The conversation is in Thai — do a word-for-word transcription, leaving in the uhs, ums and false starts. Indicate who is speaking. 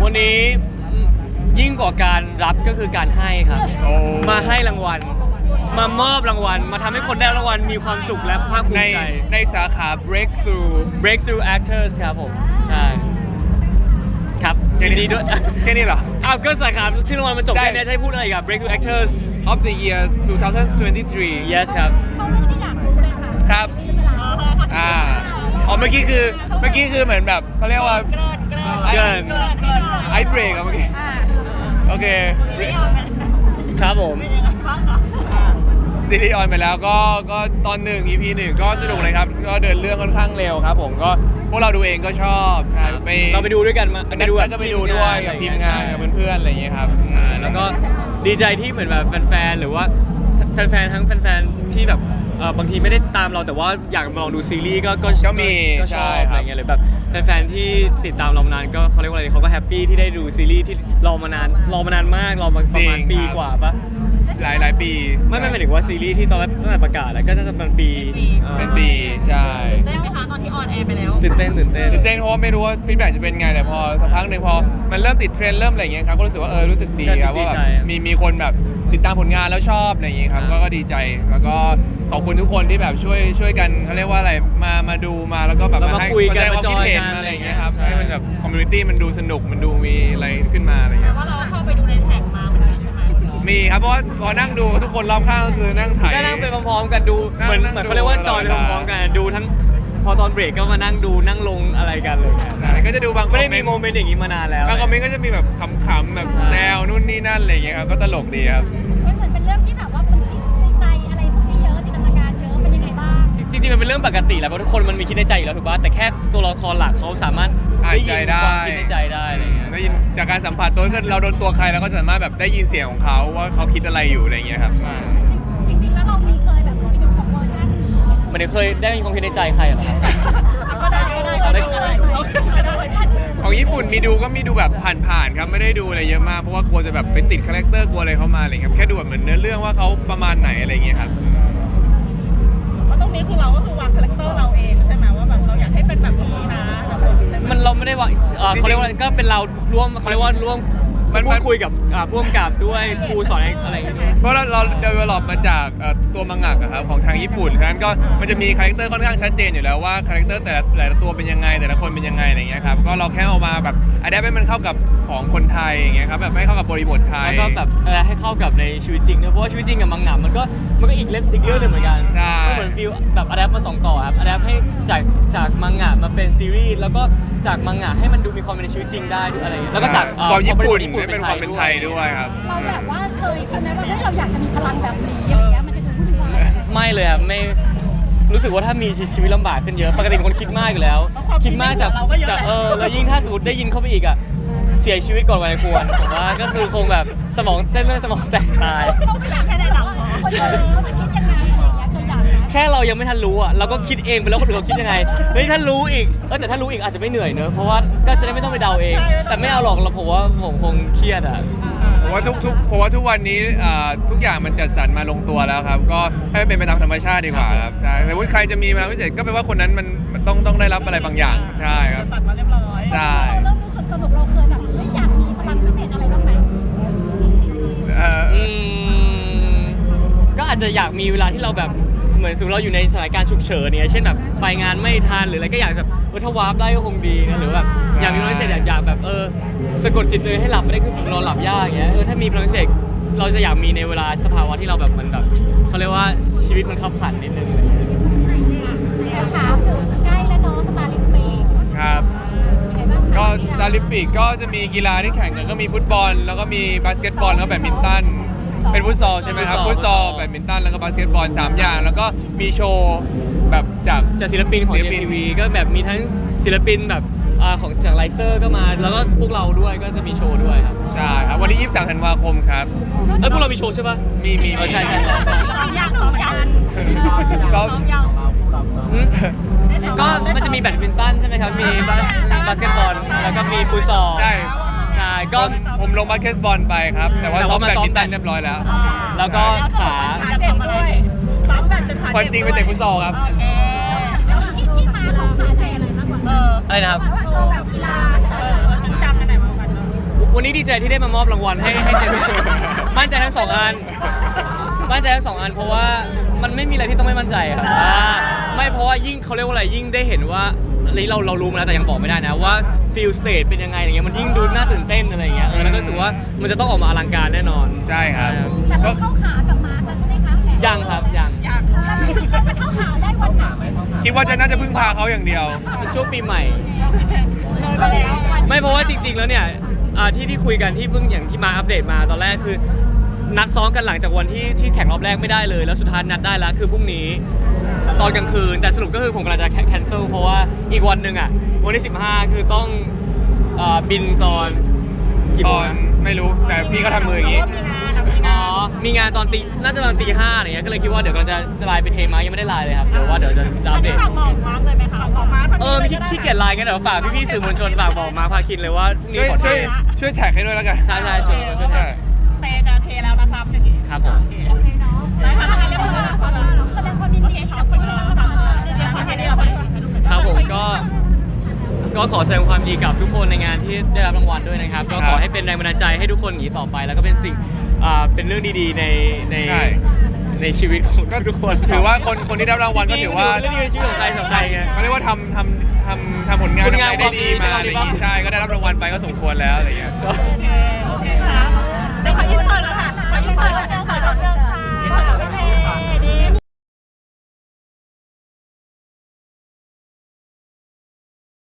Speaker 1: วันนี้ยิ่งกว่าการรับก็คือการให้ครับมาให้รางวัลมามอบรางวัลมาทำให้คนได้รางวัลมีความสุขและภาคภู
Speaker 2: ใน
Speaker 1: มิใจ
Speaker 2: ในสาขา breakthrough
Speaker 1: breakthrough actors ครับผมใช่ครับยินดีด้วย
Speaker 2: แค่นี้เหรอ
Speaker 1: อ้าวก็สาขาชื่อรางวัลมันจบ
Speaker 2: ใช่
Speaker 1: แค่นี้จะให้พูดอะไรอีกับ breakthrough actors
Speaker 2: of the year twenty twenty-three
Speaker 1: yes ครับ
Speaker 3: เขารู้ที่อยากรู้เลยค่ะ
Speaker 2: ครับ อ่าอ๋อเมื่อกี้คือเมื่อกี้คือเหมือนแบบเขาเรียกว่า
Speaker 1: เกิน
Speaker 2: ไอเบรกอะเมื่อกี้โอเค
Speaker 1: ครับผม
Speaker 2: ซีรีส์ออนไปแล้วก็ก็ตอนหนึ่ง อี พี หนึ่งก็สนุกเลยครับก็เดินเรื่องค่อนข้างเร็วครับผมก็พวกเราดูเองก็ชอบใช่ไป
Speaker 1: เราไปดูด้วยกันมา
Speaker 2: ไปดูก็ไปดูด้วยกับทีมงานกับเพื่อนๆอะไรอย่างเงี้ยครับ
Speaker 1: ใช่แล้วก็ดีใจที่เหมือนแบบแฟนๆหรือว่าแฟนๆทั้งแฟนๆที่แบบเอ่อบางทีไม่ได้ตามเราแต่ว่าอยากมาลองดูซีรีส์ก็ก็
Speaker 2: ก็มี
Speaker 1: ก็ช
Speaker 2: ใช่
Speaker 1: อบ
Speaker 2: ค
Speaker 1: อะไร
Speaker 2: รับ
Speaker 1: เงี้ยหรือแบบแฟนๆที่ติดตามเรามานานก็เขาเรียกว่าอะไรเขาก็แฮปปี้ที่ได้ดูซีรีส์ที่รอมานานรอมานานมากรอมาประมาณปีกว่าปะ
Speaker 2: หลายหลายปี
Speaker 1: ไม่ไม่หมายถึงว่าซีรีส์ที่ตอนแรกตั้งแต่ประกาศแล้วก็น่าจะเป็นปีอ่า
Speaker 2: เป็นปีใช่
Speaker 4: ได้ไหมคะตอนที่ออนแอร์ไปแล้ว
Speaker 1: ตื่นเต้นตื่นเต้น
Speaker 2: ตื่นเต้นเพราะว่าไม่รู้ว่าฟีดแบ็กจะเป็นไงแต่พอสักพักหนึ่งพอมันเริ่มติดเทรนด์เริ่มอะไรอย่างเงี้ยครับก็รู้สึกว่าเออรู้สึกดีครับว่าแบบมีมีคนแบบติดตามผลงานแล้วชอบอะไรอย่างเงี้ยครับก็ก็ดีใจแล้วก็ขอบคุณทุกคนที่แบบช่วยช่วยกันเขาเรียกว่าอะไรมามาดูมาแล้วก็แบบ
Speaker 1: เรามา
Speaker 2: ให้
Speaker 1: คุยกัน
Speaker 2: แสดง
Speaker 1: มา
Speaker 2: ความ
Speaker 1: จ
Speaker 2: คิ
Speaker 1: อ
Speaker 2: ด
Speaker 1: ย
Speaker 2: เห็น
Speaker 1: กัน
Speaker 2: อะไรอย่างเงี้ยครับ
Speaker 1: ใช่
Speaker 2: ให้มันแบบคอมมูนิตี้มันดูสนุกมันดูมีอะไรขึ้นมาอะไรอย่างเงี้ย
Speaker 4: ว่าเราเข้าไปดูในแท็กมาเหมือนกันใช่ไหม
Speaker 2: มีครับเพราะว่าพอนั่งดูทุกคนรอบข้างก็คือนั่งถ่าย
Speaker 1: ก็นั่งไปพร้อมๆกันดู
Speaker 2: นั่ง
Speaker 1: เหมือน
Speaker 2: นั่ง
Speaker 1: เหมือนเขาเรียกว่า
Speaker 2: ดู
Speaker 1: จอยไป
Speaker 2: ตลอดเวลา
Speaker 1: พร้อมๆกันดูทั้งพอตอนเบรกก็มานั่งดูนั่งลงอะไรกันเลย
Speaker 2: ใช่ก็จะดูบาง
Speaker 1: ไม่ได้มี
Speaker 2: ค
Speaker 1: โม
Speaker 2: อ
Speaker 1: เมนต์อย่างนี้มานานแล้ว
Speaker 2: บางคอมเมนต์ก็จะมีแบบขำๆแบบแซวนู่นนี่นั่นอะไรอย่างเงี้ยครับก็ตลกดีครับ
Speaker 3: มันเหมือนเป็นเรื่องที่แบบว่ามันคิดในใจอะไรพวกนี้เยอะจินตนาการเยอะเป็นยังไงบ้าง
Speaker 1: จริงๆมันเป็นเรื่องปกติแหละเพราะทุกคนมันมีคิดในใจอยู่แล้วถูกป่ะแต่แค่ตัวละครหลักเขาสามารถ
Speaker 2: อ่าน
Speaker 1: ได้ยิ
Speaker 2: ใจ
Speaker 1: น
Speaker 2: ได้
Speaker 1: ความคิดในใจได้อะไรอย่างเงี้ย
Speaker 2: ได้ยินจากการสัมผัสตัวคือเราโดนตัวใครเราก็สามารถแบบได้ยินเสียงของเขาว่าเขาคิดอะไรอยู่อะไรอย่างเงี้ยครับ
Speaker 3: จริงๆแล้วเรามีเคยแบบไปดูของเวอร์ชันนี้
Speaker 1: มันเคยได้ยินความคิดในใจใครเหรอครับ
Speaker 4: ก็ได้ก็ได้ก็ได้ก็ได้ก็ได้
Speaker 2: ของญี่ปุ่นมีดูก็มีดูแบบผ่านๆครับไม่ได้ดูอะไรเยอะมากเพราะว่ากลัวจะแบบไปติดคาแรคเตอร์กลัวอะไรเข้ามาอะไรเงี้ยครับแค่ดูแบบเหมือนเนื้อเรื่องว่าเขาประมาณไหนอะไรเงี้ยครับ
Speaker 4: เพราะตรงนี้คือเราก็คือวางคาแรคเตอร์เราเองใช่ไหมว่าแบบเราอยากให้เป็นแบบนี้นะใช่ไหม
Speaker 1: มันเราไม่ได้ว่าเอ่อเขาเรียกว่าก็เป็นเราร่วมเขาเรียกว่าร่วม
Speaker 2: มัน
Speaker 1: พูดคุยกับอ่าผู้กำกับด้วยครูสอนอะไรอย่างเงี้ย
Speaker 2: เพราะเราเรา develop มาจากเอ่อตัวมังงะอะครับของทางญี่ปุ่นฉะนั้นก็มันจะมีคาแรคเตอร์ค่อนข้างชัดเจนอยู่แล้วว่าคาแรคเตอร์แต่ละแต่ละตัวเป็นยังไงแต่ละคนเป็นยังไงอะไรเงี้ยครับก็เราแค่เอามาแบบอัดแอปให้มันเข้ากับของคนไทยอย่างเงี้ยครับแบบให้เข้ากับบริบทไทย
Speaker 1: แล้วก็แบบเอ่อให้เข้ากับในชีวิตจริงด้วยเพราะว่าชีวิตจริงกับมังงะมันก็มันก็อีกเรื่องอีกเรื่องหนึงเหมือนกัน
Speaker 2: ใช่
Speaker 1: ก็เหมือนฟิลแบบอะแดปมาสองต่อครับอะแดปให้จากจากมังงะมาเป็นซีรีส์แล้วก็จากมังงะให้มันดูมีความเป็นในชีวิตจริงได้ด้วยอะไรอย่างเงี้ยแล้วก็จากเอ่อ
Speaker 2: ความญี่ปุ่น
Speaker 1: ญี่ปุ่น
Speaker 2: ให้เป็นความเป็นไทยด้วยครับ
Speaker 3: เราแบบว่าเคยคิดไหมว่าเฮ้ยเราอยากจะมีพลังแบบนี้อะไรเงี้ยมันจะดูวุ่นวาย
Speaker 1: ไม่เลยครับไม่รู้สึกว่าถ้ามีชีวิตลำบากขึ้นเยอะปกติเป็นคนคิดมากอยู่แล้ว คิดมากจากจากเออแล้วยิ่งถ้าสมมติได้ยินเข้าไปอีกอ่ะเสียชีวิตก่อนวัยควรผมว่าก็คือคงแบบสมองเส้นเลือดสมองแตกตาย
Speaker 3: เราไม่อยากให้ได้หลังคนอื่นเขาจะคิดยังไงอะไรเงี้ยเคยอยากนะ
Speaker 1: แค่เรายังไม่ทันรู้อ่ะเราก็คิดเองไปแล้วคนอื่นเขาคิดยังไงเฮ้ยถ้ารู้อีกเออแต่ถ้ารู้อีกอาจจะไม่เหนื่อยเนอะเพราะว่าก็จะได้ไม่ต้องไปเดาเอง แต่ไม่เอาหรอกเราผมว่าผมคงเครียดอ่ะ
Speaker 2: ผมว่าทุกทุกผมว่าทุกวันนี้อ่าทุกอย่างมันจัดสรรมาลงตัวแล้วครับก็ให้มันเป็นไปตามธรรมชาติดีกว่าครับใช่แต่ว่าใครจะมีพลังพิเศษก็แปลว่าคนนั้นมันมันต้องต้องได้รับอะไรบางอย่างใช่ครับ
Speaker 4: ตัดมาเรียบร้อย
Speaker 2: ใช่
Speaker 3: เราเริ่มรู้สึกสนุกเราเคยแบบเฮ้ยอยากมีพลังพิเศษอะไรบ้างไหม
Speaker 2: เอ่อ
Speaker 1: อืมก็อาจจะอยากมีเวลาที่เราแบบเหมือนสมมติเราอยู่ในสถานการณ์ฉุกเฉินเนี่ยเช่นแบบไปงานไม่ทันหรืออะไรก็อยากแบบเออถ้าวาร์ปได้ก็คงดีนะหรือแบบอยากมีพลังพิเศษอยากอยากแบบเออสะกดจิตตัวเองให้หลับไม่ได้คือผมนอนหลับยากอย่างเงี้ยเออถ้ามีพลังพิเศษเราจะอยากมีในเวลาสภาวะที่เราแบบมันแบบเขาเรียกว่าชีวิตมันขับขันนิดนึงอะไรเงี้ย
Speaker 3: แต่ถามถึงใกล้แล้วเนาะสตาร์ลิมปิก
Speaker 2: ครับ
Speaker 3: ยังไงบ้างคะ
Speaker 2: ก็ซาลิมปิกก็จะมีกีฬาที่แข่งกันก็มีฟุตบอล แล้วก็มีบาสเกตบอลแล้วก็แบดมินตันเป็นฟุตซอลใช่ไหมครับฟุตซอลแบดมินตันแล้วก็บาสเกตบอลสามอย่างแล้วก็มีโชว์แบบจาก
Speaker 1: จากศิลปินของ
Speaker 2: ศิ
Speaker 1: เจ
Speaker 2: ลปิ
Speaker 1: ม
Speaker 2: น
Speaker 1: ทีวีก็แบบมีทั้งศิลปินแบบอ่าของจากไลเซอร์ก็มาแล้วก็พวกเราด้วยก็จะมีโชว์ด้วยครับ
Speaker 2: ใช่ครับวันที่ยี่สิบสามธันวาคมครับ
Speaker 1: เอ้ยพวกเรามีโชว์ใช่ปะ
Speaker 2: มีมี
Speaker 1: เออใช่ใช่ใช่ใช่
Speaker 4: สองอย่างสองอย่าง
Speaker 2: ก็
Speaker 4: สองอย่าง
Speaker 1: อืมก็มันจะมีแบดมินตันใช่ไหมครับมีบาสบาสเกตบอลแล้วก็มีฟุตซอล
Speaker 2: ใช่
Speaker 1: ใช่ก็
Speaker 2: ผมผมลงบาสเกตบอลไปครับ แต่ว่า
Speaker 1: แต่
Speaker 2: ซ้อ
Speaker 1: ว่าม มา
Speaker 2: แบด
Speaker 1: ซ้อม
Speaker 2: มินตัน
Speaker 1: แบด
Speaker 2: เรียบร้อยแล้ว
Speaker 1: แล้วก็ขา
Speaker 4: ขาเจ็บด้วยซ้ำแบบเป็นขา
Speaker 2: วัน
Speaker 4: เจ็บ
Speaker 2: จริงไปเตะฟุตซอลครับ
Speaker 4: โอเค
Speaker 3: แล้วที่ที่มาของขาเจอะไรมากกว่า
Speaker 4: เออ
Speaker 1: อะไรนะครับ
Speaker 3: ว่าโชว์แบบกีฬา
Speaker 4: เออจริงจังกันไหนมากันเนอะ
Speaker 1: วันนี้ดีใจที่ได้มามอบรางวัลให้ให้เจมี่มั่นใจทั้งสองอันมั่นใจทั้งสองอันเพราะว่ามันไม่มีอะไรที่ต้องไม่มั่นใจครับอ่าไม่เพราะว่ายิ่งเขาเรียกว่าอะไรยิ่งได้เห็นว่าอันนี้เราเรารู้มาแล้วแต่ยังบอกไม่ได้นะว่าฟิลสเตจเป็นยังไงอย่างเงี้ยมันยิ่งดูน่าตื่นเต้นอะไรอย่างเงี้ยเออแล้วก็รู้สึกว่ามันจะต้องออกมาอลังการแน่นอน
Speaker 2: ใช่ครับ
Speaker 3: แต่เราเข้าขากับมาร์คแล้วใช่ไหมคะแผน
Speaker 1: ยังครับยัง
Speaker 4: อยาก
Speaker 3: เราจะเข้าขาได้วันไหน
Speaker 2: คิดว่าจะน่าจะพึ่งพาเขาอย่างเดียว
Speaker 1: เป็นช่วงปีใหม่
Speaker 4: เลยไปแล้ว
Speaker 1: ไม่เพราะว่าจริง ๆ แล้วเนี่ยอ่าที่ที่คุยกันที่เพิ่งอย่างที่มาอัปเดตมาตอนแรกคือ นัดซ้อมกันหลังจากวันที่ที่แข่งรอบแรกไม่ได้เลย แล้วสุดท้ายนัดได้แล้วคือพรุ่งนี้ตอนกลางคืนแต่สรุปก็คือผมกำลังจะแคนเซิลเพราะว่าอีกวันหนึ่งอ่ะวันที่สิบห้าคือต้องอ่าบินตอนกี่
Speaker 2: ต
Speaker 1: โม
Speaker 2: อง น
Speaker 1: นะ
Speaker 2: ไม่รู้แต่พี่ก็ทำมืออย่างนี้
Speaker 4: มีงานมี
Speaker 1: อ๋
Speaker 4: งา
Speaker 1: อน มีงานตอนตีน่าจะตอนตีห้าอะไรเงี้ยก็เลยคิดว่าเดี๋ยวเราจะไลน์ไปเทมายังไม่ได้ไลน์เลยครับเดี๋ยวว่าเดี๋ยวจะจะอัปเดต
Speaker 4: ฝากบอกมาร์คเลยไหมคะบอกมาร์ค
Speaker 1: เออขี้ขี้เกียจไลน์กันเดี๋ยวฝากพี่ๆสื่อมวลชนฝากบอกมาพาคินเลยว่าพรุ่งนี้
Speaker 2: ช่วย
Speaker 1: ขอ
Speaker 2: ช่วย
Speaker 1: เท
Speaker 2: ช่วยแท็กให้ด้วยแล้วกัน
Speaker 1: ใช่ใช่ช่วยช่วยแท็ก
Speaker 4: เตจะเทแล้วนะครับอย่างนี้
Speaker 1: ครับผม
Speaker 3: โอเคเนาะ
Speaker 4: ได้ค่ะได้เรียบร้อยแล้ว
Speaker 3: แสดงความยินดีกับคนที่ได้รับรางวัลนะคะ
Speaker 1: ครับผมก็ก็ขอแสดงความยินดีกับทุกคนในงานที่ได้รับรางวัลด้วยนะครับ ก็ขอให้เป็นแรงบันดาลใจให้ทุกคนอย่างนี้ต่อไป แล้วก็เป็นสิ่งอ่าเป็นเรื่องดีๆในใน
Speaker 2: ใช่
Speaker 1: ในชีวิตของทุกคน
Speaker 2: ถือว่าคนคนที่ได้รับรางวัลก็ถือว่า
Speaker 1: เรื่องดีในชีวิตของใครสำหรับใครไง
Speaker 2: เขาเรียกว่าทำทำทำทำผลงาน
Speaker 1: ผลงาน
Speaker 2: ทำอะไรได้ดี
Speaker 1: ความดี
Speaker 2: มาอะไรอย่าง
Speaker 1: ใช่
Speaker 2: งี้
Speaker 1: ไหม
Speaker 2: ใช่ก็ได้รับรางวัลไปก็สมควรแล้วอะไรอย่างเงี้ย
Speaker 1: ก็
Speaker 4: โอเค